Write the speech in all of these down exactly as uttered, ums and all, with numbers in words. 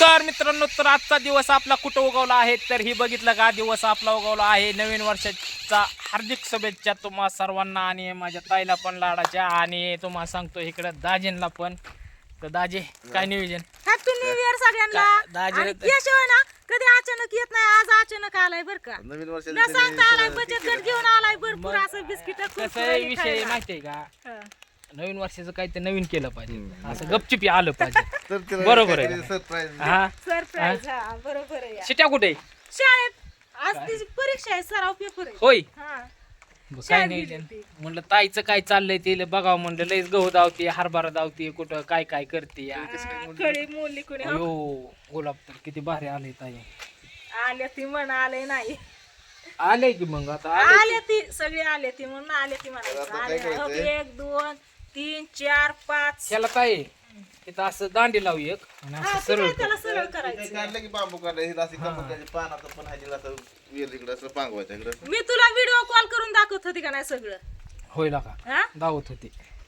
नमस्कार मित्रांनो, तर आजचा दिवस आपला कुठं उगवला आहे तर ही बघितलं का, दिवस आपला उगवला आहे नवीन वर्षाचा. हार्दिक शुभेच्छा तुम्हा सर्वांना आणि माझ्या ताईला पण लाडाच्या, आणि तुम्हाला सांगतो इकडं दाजींना पण. तर दाजी काय नियोजन? हॅपी न्यू इयर सगळ्यांना. दाजी आणि याशिवाय ना कधी अचानक येत नाही, आज अचानक आलाय बर का. नवीन न वर्षाच्या सांगता आलाय, बचत गट घेऊन आलाय भरपूर असं बिस्किट कसं आहे विषय माहितीये का, नवीन वर्षाचं काही ते नवीन केलं पाहिजे, असं गपचिपी आलं पाहिजे. बरोबर आहे. सरप्राईज हा सरप्राईज. हा बरोबर आहे. शिट्या कुठे आहे? शाळेत आज तिची परीक्षा आहे, सराव पेपर आहे. होय. हा बरं, काय नियोजन? म्हणलं ताईचं काय चाललंय ते बघावं म्हणलं. लयच गहू धावते, हरभरा धावते, कुठं काय काय करते. खळी मोली कोणी अयो गुलाब तर किती भारी आले ताई. आले ती म्हण आले नाही, आले की मग आता आले. आले ती सगळे आले ती म्हणून आले ती म्हणायचं. आले हो, एक दोन तीन चार पाच. त्याला काय तिथं असं दांडी लावू एक आणि हा, असं ते सरळ काय कर. त्याला सरळ करायचं. काढलं की बांबू काढलं हे अशी कमकाची पानाचं पण ह्याची असं वेल इकडं असं पांगवायचं इकडं. मी तुला व्हिडिओ कॉल करून दाखवत होती का नाही सगळं. होईल का हा दावत होती.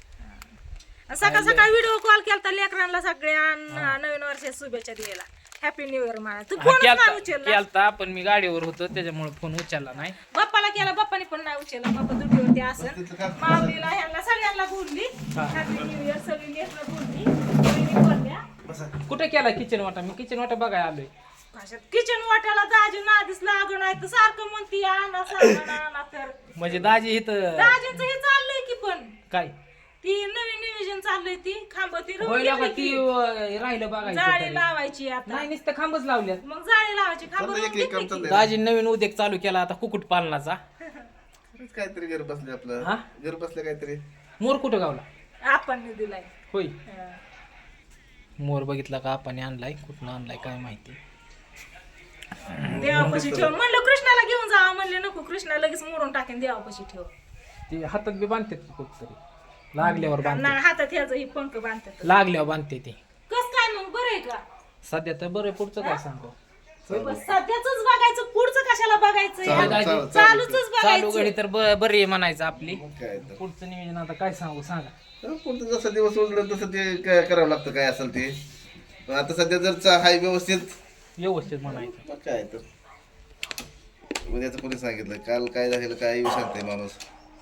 सकाळ सकाळ व्हिडिओ कॉल केलता लेकरांना सगळ्या नवीन वर्षाच्या शुभेच्छा द्यायला. हॅपी न्यू इयर म्हणा. तू हा, फोनच नाही केलता उचलला. केलता पण मी गाडीवर होतो त्याच्यामुळे फोन उचलला नाही. बाप्पाला केला, बाप्पाने पण नाही उचलला. बाप्पा दुटीवरती असं माऊलीला ह्यांना सगळ्यांना बोलली हॅपी न्यू इयर. सगळी लेकरं बोलली, बहिणी बोलल्या. कुठे केला किचन वाटा? मी किचन वाटा बघायला आलोय. कशात किचन वाट्याला दाजी नादीच लागून नाही तर सारखं म्हणती आणा सामान आणा. तर म्हणजे दाजी इथं दाजींचं हे चाललंय की, पण काय ती नवीन नियोजन चाललंय. ती खांब ती रोवून होईल का घेतली ती की. अं, राहिलं बघायचं जाळी तरी. लावायची आता. नाही नुसतं खांबच लावल्यात. मग जाळी लावायची खांब चाललंय रोवून एक एक काम घेतली की. चाललंय. दाजी नवीन उद्योग चालू केला आता कुकुट पालनाचा. खरंच काहीतरी घर बसले आपलं. हा? घर बसले काहीतरी. मोर कुठं गावला? आपण दिलाय. होय. हा. मोर बघितला का आपण आणलाय, कुठनं आणलाय काय माहिती. देवापाशी ठेव म्हणलं, कृष्णाला घेऊन जा म्हणले. नको, कृष्णा लगेच मोडून टाकेन. देवापाशी ठेव. ते हातात बी बांधतात की कुठतरी, लागल्यावर बांधते. नाही, हातात ह्याचं ही पंख बांधतात. लागल्यावर बांधते ते. कस काय मग, बरं आहे का? सध्या तर बरं, पुढचं काय सांगू. सध्याच बघायचं, पुढचं कशाला बघायचं? चालू- या? चालू- चालूच चालू घडी बघायचं. तर ब- बरी आहे म्हणायचं आपली. मग काय तर. पुढचं नियोजन आता काय सांगू सांगा. तर पुढचं जसं दिवस उजळेल तसं ते काय करावं लागतं काय असेल ते. पण आता सध्या जर चा- हाय व्यवस्थित व्यवस्थित म्हणायचं. मग काय तर. उद्याचं कोणी सांगितलं काल काय झालेलं काय येऊ सांगते माणूस.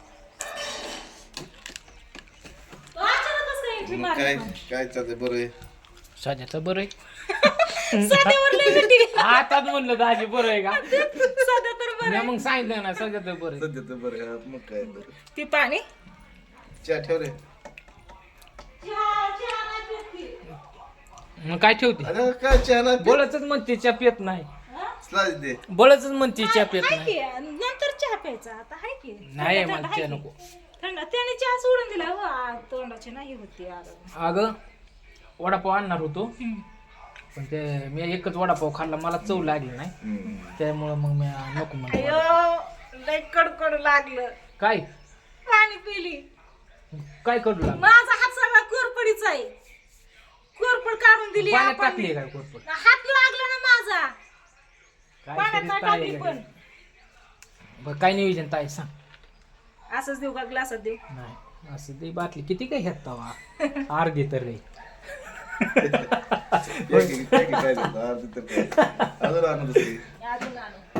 तो अचानकच काय entry मग काय मारली. काय चालतंय बरं आहे. सध्याचं बरं आहे. सध्यावर लय मिठी. आता म्हणलं दाजी बरं आहे का? सध्या तर बरं मी आहे. मग सांगितलं ना सध्या तर बरं आहे. सध्या तर बरं आहे. मग काय तर. ती पाणी चहा ठेव रे. चहा- चहा नाही पीत ती. मग काय ठेवते? अरे काय चहा नाही बळच म्हणते च्या पेत नाही. हा? स्लाइस दे. बळच म्हणते च्या पेत हाय नाही. की, नंतर चहा प्यायचा. आता हाय की नाही थंड- मला थंड चहा हाय नको. की. थंड त्याने चहा सोडून दिला. हो, आ, तोंडाची नाही होती. अगं. अगं वडापाव आणणार होतो, पण ते मी एकच वडापाव खाल्ला, मला चव लागली नाही. हम्म. त्यामुळं मग मी नको म्हणलं. अयो लय कडकड लागलं. काय पाणी पिली. काय करू लागलं? माझा हात सगळा कोरपडीचा आहे. कोरपड काढून दिली पाण्यात आपण. टाकली काय कोरपड? हात लागला ना माझा. काय पाण्यात तरी नाही ताई टाकली आहे पण. का? बरं काय नियोजन ताई सांग. असंच देऊ का ग्लासात देऊ? नाही असं ते बाटली किती काय घेता अर्धी तर रे. एक- एक- एक काय झालं? अर्धी तर काय. अजून आणू दुसरी. अजून आणू.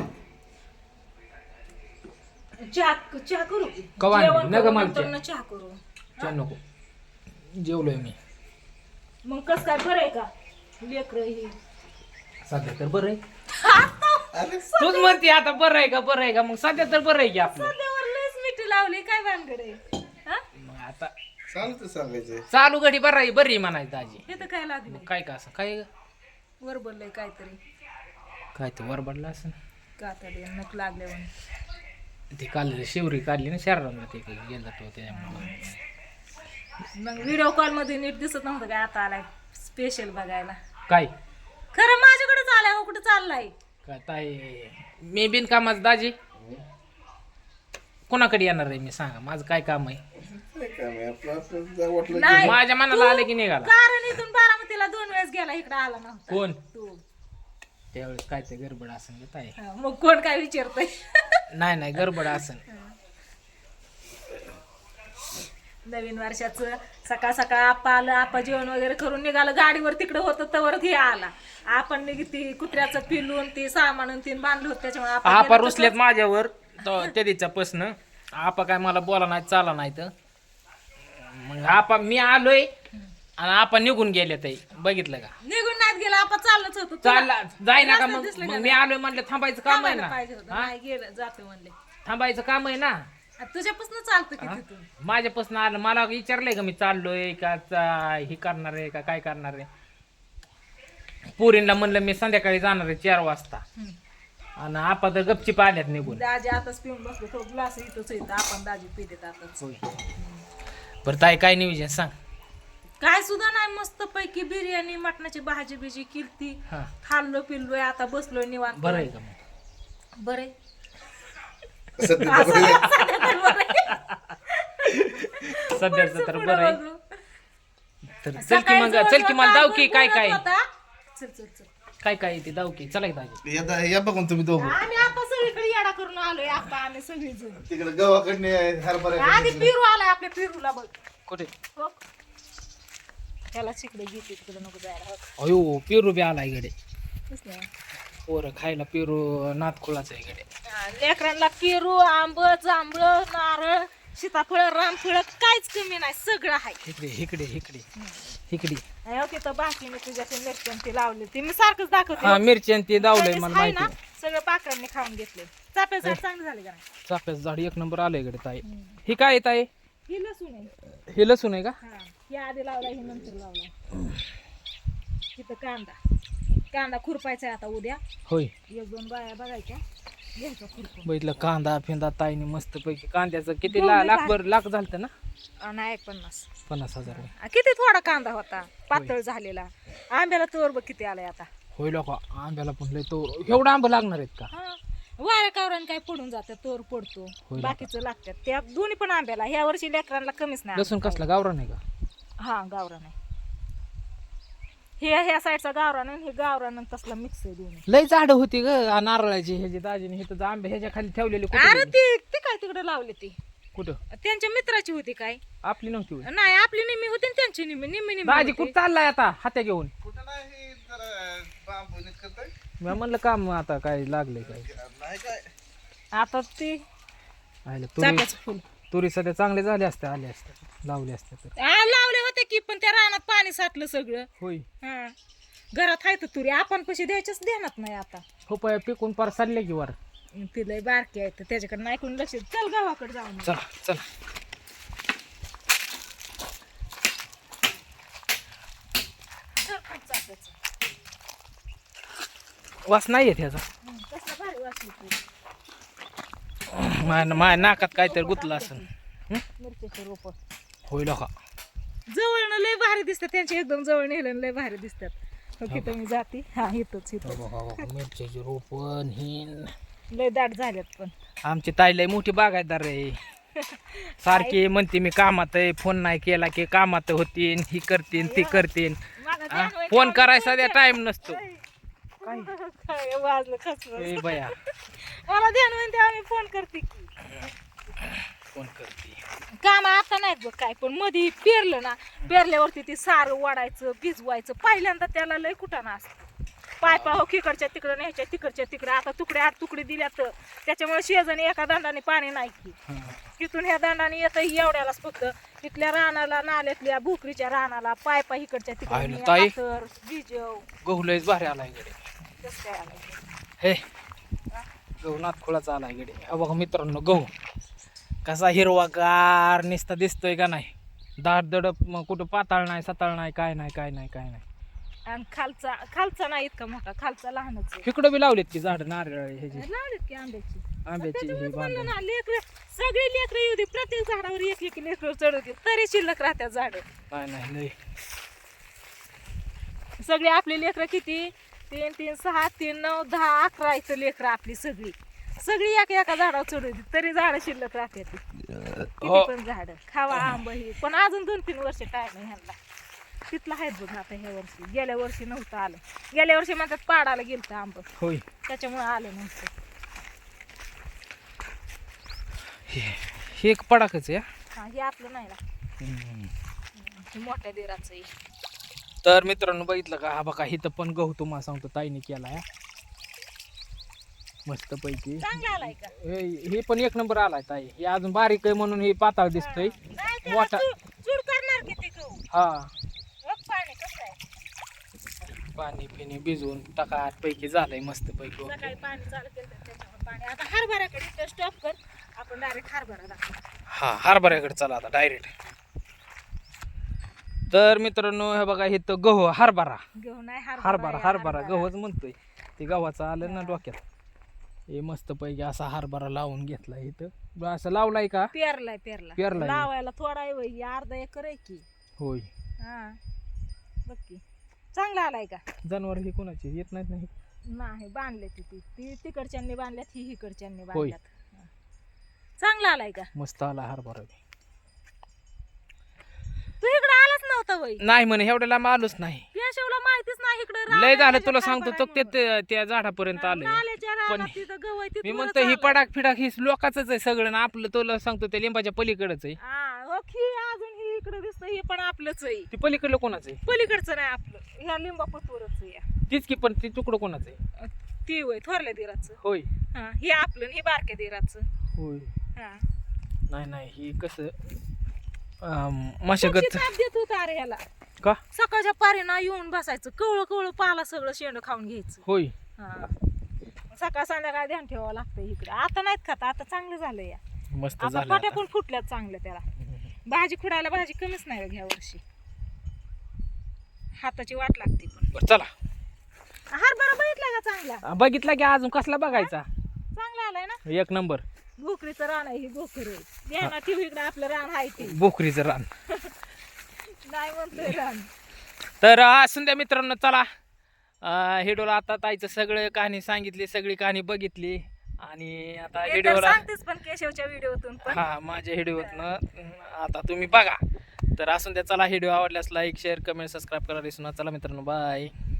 चहा चहा करू. कवा आणली? जेवण नका करू, मला नंतर चहा. ना चहा करू. चल नको, जेवलोय मी. मग कस काय, बरं आहे का लेकर ही? सध्या तर बरं आहे. अरे तूच म्हणते आता बरं आहे का बरं आहे का, मग सध्या तर बरं आहे की आपलं. सध्यावर लयच मिठी लावली. काय भानगड आहे? हा? मग आता चालतं सांगायचं. चालू घडी बरं आहे, बरी आहे म्हणायचं दाजी. हे तर काय लागलं? मग काय का असं काय वर बोललंय काहीतरी. काय ते वरबडलं असं. का तर नक लागल्यावर. ते काल शिवरी काढली ना शहराला, ते गेला तो त्याच्यामुळे. मग व्हिडिओ कॉल मध्ये नीट दिसत नव्हतं काय? आता आलाय स्पेशल बघायला. काय खरं माझ्याकडेच आलाय. हो, कुठं चाललाय? काय ताई मी बिनकामाचं दाजी कोणाकडे येणार आहे मी सांगा, माझं काय काम आहे? काय काम आहे आपलं आपलं जर वाटलं नाही, माझ्या मनाला आले की निघाला. कारण इथून बारामतीला दोन वेळेस गेला, इकडे आला नव्हता कोण तू. त्यावेळेस काय ते गडबड असेल ताई. हा, मग कोण काय विचारतय? नाही नाही गडबड असेल. नवीन वर्षाचं सकाळ सकाळ आपा आलं, आपा जेवण वगैरे करून निघालं, गाडीवर तिकडं होतं तवर हे आला. आपण ती कुत्र्याचं पिलून ती सामान तीन बांधलं होतं त्याच्यामुळे आपण आपा गेलो रुसलेत माझ्यावर तो त्या दिवसा प्रश्न. आपा काय मला बोला नाही चाला नाही तर मग आपा मी आलोय आणि आपा निघून गेले ते बघितलं का निघून नाहीत गेला, आपण चाललंच होतो. चालला जाय ना का रस्त्यात मग दिसलं मग का मी आलोय म्हणलं थांबायचं काम आहे थांबायला ना पाहिजे होतं. हा? नाही गेलं, जाते म्हणले. थांबायचं काम आहे ना. तुझ्यापासून चालतं की तिथून. माझ्यापासून आलं मला विचारलंय का मी चाललोय का चा- हे करणार आहे का काय करणार आहे. पोरींना म्हणलं मी संध्याकाळी जाणार आहे चार वाजता आणि आपा तर गपचीप आल्यात निघून. दाजी आताच पिऊन बसलो, तो ग्लास इथंच येतं, आपण दाजी पितेत आताच. बरं ताई काय नियोजन सांग. काय सुद्धा नाही, मस्त पैकी बिर्याणी मटणाची भाजी बिजी किलती, हा खाल्लो पिल्लोय, आता बसलोय निवांत. बरं आहे का मग बरे सध्या तर सध्याचं तर बरं आहे. तर चल की मग चल की मला दाव की काय काय चल चल चल काय काय येते दाव की चला की दाजी. या या बघून तुम्ही दोघं आम्ही आता सगळीकडे येडा करून आलोय. आपण आम्ही सगळी जण तिकडे गावाकडने हरभरा आधी पिरू आलाय, आपल्या पिरूला बघ. कुठे हो. त्याला तिकडे घेते, तिकडे नको जायला. हो. अयो पेरू बी आला इकडे. दिसलं? पोरं खायला पेरू नातखुळाचं आहे इकडे. हा, लेकरांना पेरू, आंब, जांभळ, नारळ, सीताफळ, रामफळ काहीच कमी नाही, सगळं आहे. इकडे इकडे इकडे इकडे हो, तिथं बाकी मी तुझ्या मिरच्या ती लावली, ती मी सारखंच दाखवते. हा मिरची आणि ते दावलंय त्यावेळेस मला आहे माहिती ना, सगळं पाखरांनी खाऊन घेतले. चाफ्या झाड चांगले झाले का नाही? चाफ्याचं झाड एक नंबर आलं इकडे ताई. ही काय आहे ताई. ही लसूण आहे. हे लसूण आहे का. हा, ही आधी लावला, ही नंतर लावला. तिथं कांदा कांदा खुरपायचा आहे आता उद्या. होय एक दोन बाया बघायच्या, घ्यायचा खुरपून. बघितलं कांदा फिंदा ताईने मस्त पैकी कांद्याचं किती ला लाख भर लाख झालं ना. अं, नाही पन्नास पन्नास हजार होय. आ, किती थोडा कांदा होता पातळ झालेला. आंब्याला तोर बघ किती आलाय आता. होय लोक आंब्याला पण लय तो एवढा आंबा लागणार आहेत का. हा, वाऱ्या कावरान काय पडून जातं, तोर पडतो, होय. बाकीचं लागतात. त्या दोन्ही पण आंब्याला ह्या वर्षी लेकरांना कमीच नाही. लसूण कसला गावरा नाही का. हा, गावरान आहे. हे ह्या साईडचा गावरान आणि हे गावरान आणि तसला मिक्स आहे दोन्ही. लय झाड होती ग नारळाची ह्याची दाजीने हे तर आंबे ह्याच्या खाली ठेवलेले कुठे अरे गेले? ती ती काय तिकडे लावली ती कुठं त्यांच्या मित्राची होती काय. आपली नव्हती होय. नाही, आपली निम्मी होती आणि त्यांची निम्मी निम्मी निम्मी दाजी होती. कुठं चाललाय आता हात्या घेऊन. कुठं नाही जरा बांबू नीट करताय मी म्हणलं काम आता काय लागलंय काय. नाही काय आता ती आयलं तुरी चाफ्याचं फुल तुरी सध्या चांगले झाले असते आले असते लावले असते तर. आ, लावले होते की, पण त्या रानात पाणी साठलं सगळं. होय हा, घरात आहे तर तुरी आपण पैसे द्यायच्याच ध्यानात नाही आता. हो पाय पिकून पार चालले की वर. तिला बारकी आहे तर त्याच्याकडे नाही कोणी लक्ष. चल गावाकडे जाऊन येऊ. चला चला चल, खूप चाफ्याचं. वास नाही येत ह्याचा. हं, कसलं भारी वास येतो. माझ्या माझ्या नाकात काहीतरी गुतलं असेल. मिरच्याचे रोप होय लोका जवळनं लय भारी दिसतात, त्यांच्या एकदम जवळ नेलं लय भारी दिसतात. हो, तिथं मी जाते. हा, इथंच इथं मिरच्याची रोपण हिन लय दाट झाल्यात. पण आमची ताई लय मोठी बागायतदार आहे. सारखी म्हणते मी कामात आहे, फोन नाही केला की कामात होतीन, ही करतीन ती करतीन. माझं आ, ध्यान होय फोन का? करायचा द्या टाइम नसतो. काय वाजलं खचलं. ए बया मला ध्यान म्हणते आम्ही फोन करते की. फोन करते काम आता नाहीत बघ काय, पण मध्ये पेरलं ना, पेरल्यावरती ते सारं वाढायचं भिजवायचं. पहिल्यांदा त्याला लय कुटाणा असतं. पायपा हो तिकडच्या तिकडं न्यायच्या तिकडच्या तिकडं. आता तुकडे आठ तुकडे दिल्या तर त्याच्यामुळे शेजारी एका दांडाने पाणी नाही की. तिथून ह्या दांडाने येतं एवढ्यालाच फक्त. तिथल्या रानाला नाल्यातल्या भोकरीच्या रानाला पायपा इकडच्या आहे ना ताई? तिकडे बिजव गहू लयच भारी आला इकडे. कसं काय आलं. हे गहू नातखुळाचा आला इकडे. हा बघा मित्रांनो गहू कसा हिरवागार निसता दिसतोय का नाही. दाट दडप मग कुठं पाताळ नाही सताळ नाही काय नाही काय नाही काय नाही. आणि खालचा खालचा नाही इतका मोठा, खालचा लहानच आहे. इकडं बी लावलेत की झाड नारळ ह्याची लावलेत की आंब्याची. आंब्याची ही त्याच्यामुळेच म्हणलं बांधून. ना, लेकरं सगळी लेकरं येऊ दे, प्रत्येक झाडावर एक एक लेकर चढवते तरी शिल्लक राहत्या झाड. नाही नाही लय सगळी आपली लेकरं किती, तीन तीन सहा तीन नऊ दहा अकरा इथं लेकरं आपली सगळी सगळी एका एका झाडावर चढवते तरी झाडं शिल्लक राहते. किती पण झाड खावा आंब ही. पण अजून दोन तीन वर्ष टाइम आहे ह्यांना. तिथलं आहेत बघ आता ह्या वर्षी. गेल्या वर्षी नव्हतं आलं. गेल्या वर्षी म्हणतात पाडाला गेलतं आंब, होय. त्याच्यामुळे आलं नव्हतं. हे हे एक पडाकच आहे. हा, हे आपलं नाही ना. हे मोठ्या दिराचं आहे. तर मित्रांनो बघितलं का हा बघा इथं पण गहू तुम्हाला सांगतो ताईने केलाय मस्त पैकी. चांगला आलाय का? हे पण एक नंबर आलाय ताई. हे अजून बारीक आहे म्हणून हे पाताळ दिसतोय. नाही त्याला मोठा चूड चूड करणार किती गहू. हा बघ पाणी कसं आहे. पाणी पिणी भिजवून टाकाट पैकी झालंय मस्त पैकी. सकाळी पाणी चालू केलं तर त्याच्यावर पाणी. आता हरभऱ्याकडे स्टॉप कर, आपण डायरेक्ट हरभरा दाखवू. हा हरभऱ्याकडे चला आता डायरेक्ट. तर मित्रांनो हे बघा हे तर गहू हरभरा गहू नाही हरभरा आहे, हरभरा गहूच म्हणतोय. ते गव्हाचं आलं ना डोक्यात. हे मस्त पैकी असा हरभरा लावून घेतला इथं. असं लावलाय का? पेरलाय पेरला पेरलाय. लावायला थोडा आहे वय, अर्धा एकर आहे की. होय. हा बघ की चांगला आलाय का? जनावर हे कोणाचे येत नाहीत नाही. नाही बांधले ती ती ती तिकडच्यांनी बांधल्यात, ही इकडच्यांनी होय. बांधल्यात. हा. चांगला आलाय का? मस्त आला हरभरा. तू इकडे आलाच नव्हता वय. नाही म्हणे एवढ्याला आलोच नाही. केशवला माहितीच नाही इकडे. लय झालं तुला सांगतो तो ते ते- त्या झाडापर्यंत आलंय. पण मी म्हणतो ही पडाक फिडाक ही लोकांच आहे सगळं ना आपलं. तुला सांगतो त्या लिंबाच्या पलीकडच आहे. अजून ही इकडे दिसत, हे पण आपलंच आहे. ती पलीकडलं कोणाचं आहे? पलीकडचं नाही आपलं, ह्या लिंबापतवरच आहे. तीच की पण ती तुकडं कोणाचं आहे? ती वय थोरल्या दिराचं. होय. हा हे आपलं आणि हे बारक्या दिराचं. होय. हा नाही नाही ही कसं मशागत ताप देत होता अरे ह्याला. का? सकाळच्या पारीना येऊन बसायचं, कवळं कवळं पाला सगळं शेंड खाऊन घ्यायचं. होय. हा सकाळ संध्याकाळ ध्यान ठेवावं लागतं इकडे. आता नाहीत खात, आता चांगलं झालं या. मस्त आता झालं पाट्या आता. पण फुटल्यात चांगल्या त्याला. भाजी खुडायला भाजी कमीच नाही ह्या वर्षी. हाताची वाट लागते पण. बरं चला. हरभरा बघितला का चांगला? बघितला की अजून कसला बघायचा? चांगला आलाय ना. एक नंबर. भोकरीचं रान आहे, ही भोकर आहे. ठेवू इकडे आपलं रान आहे ते. बोकरीचं रान. नाही म्हणतोय रान. तर असून द्या मित्रांनो चला. हिडोला आता ताईचं सगळं कहाणी सांगितली, सगळी कहाणी बघितली आणि आता हे तर हिडोला सांगतेच पण केशवच्या व्हिडिओतून पण. हा माझ्या हिडोतनं आता तुम्ही बघा. तर असून द्या चला. व्हिडिओ आवडल्यास लाईक शेअर कमेंट सबस्क्राईब करा विसरू नका. चला मित्रांनो बाय.